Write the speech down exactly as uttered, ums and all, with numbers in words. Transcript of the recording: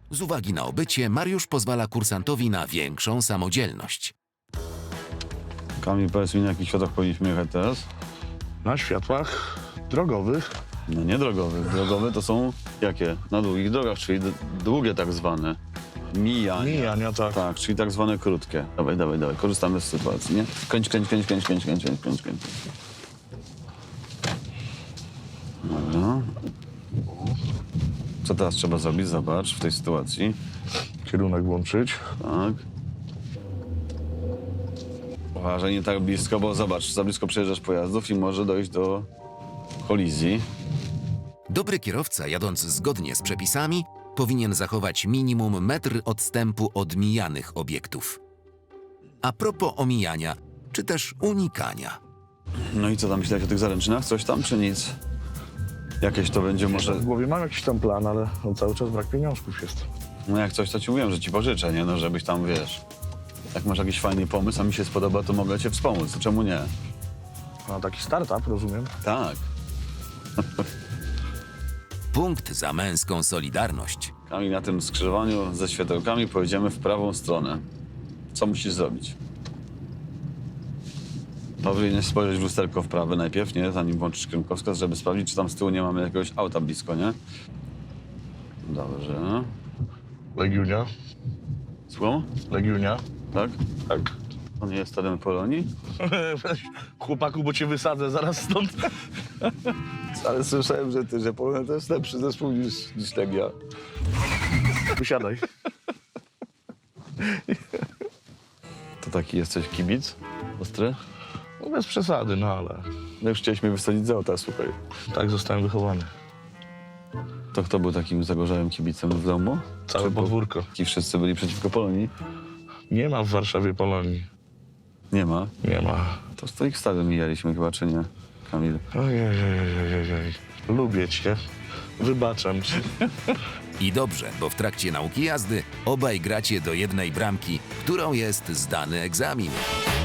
Z uwagi na obycie, Mariusz pozwala kursantowi na większą samodzielność. Kamil, powiedz mi, na jakich światach powinniśmy jechać teraz? Na światłach drogowych. No nie drogowych. Drogowe to są jakie? Na długich drogach, czyli d- długie tak zwane. Mijania. Mijania, tak. Tak, czyli tak zwane krótkie. Dawaj, dawaj, dawaj, korzystamy z sytuacji, nie? Kręć, kręć, kręć, kręć, kręć, kręć, kręć, kręć, kręć. Dobra. Co teraz trzeba zrobić? Zobacz, w tej sytuacji. Kierunek włączyć. Tak. Uważaj, nie tak blisko, bo zobacz, za blisko przejeżdżasz pojazdów i może dojść do kolizji. Dobry kierowca, jadąc zgodnie z przepisami, powinien zachować minimum metr odstępu od mijanych obiektów. A propos omijania, czy też unikania. No i co tam myślałeś o tych zaręczynach? Coś tam, czy nic? Jakieś to będzie może... W głowie mam jakiś tam plan, ale no, cały czas brak pieniążków jest. No jak coś, to ci mówiłem, że ci pożyczę, nie? No żebyś tam, wiesz... Jak masz jakiś fajny pomysł, a mi się spodoba, to mogę cię wspomóc. Czemu nie? No taki startup, rozumiem. Tak. Punkt za męską solidarność. Kamil, na tym skrzyżowaniu ze światełkami pojedziemy w prawą stronę. Co musisz zrobić? Powinieneś spojrzeć w lusterko w prawe najpierw, nie? Zanim włączysz kierunkowskaz, żeby sprawdzić, czy tam z tyłu nie mamy jakiegoś auta blisko, nie? Dobrze. Legiunia. Słucham? Legiunia. Tak? Tak. To nie jest stadion Polonii? Chłopaku, bo cię wysadzę zaraz stąd. Ale słyszałem, że ty, że Polonia to jest lepszy zespół niż, niż Legia. Wysiadaj. To taki jesteś kibic? Ostry? No bez przesady, no ale No już chciałeś mnie wysadzić z auta, słuchaj. tak zostałem wychowany. To kto był takim zagorzałym kibicem w domu? Całe Czy po- podwórko. Ci wszyscy byli przeciwko Polonii? Nie ma w Warszawie Polonii. Nie ma. Nie ma. To z twoich stadion mijaliśmy chyba, czy nie, Kamil? Ojej, ojej, ojej, ojej. Lubię cię. Wybaczam ci. I dobrze, bo w trakcie nauki jazdy obaj gracie do jednej bramki, którą jest zdany egzamin.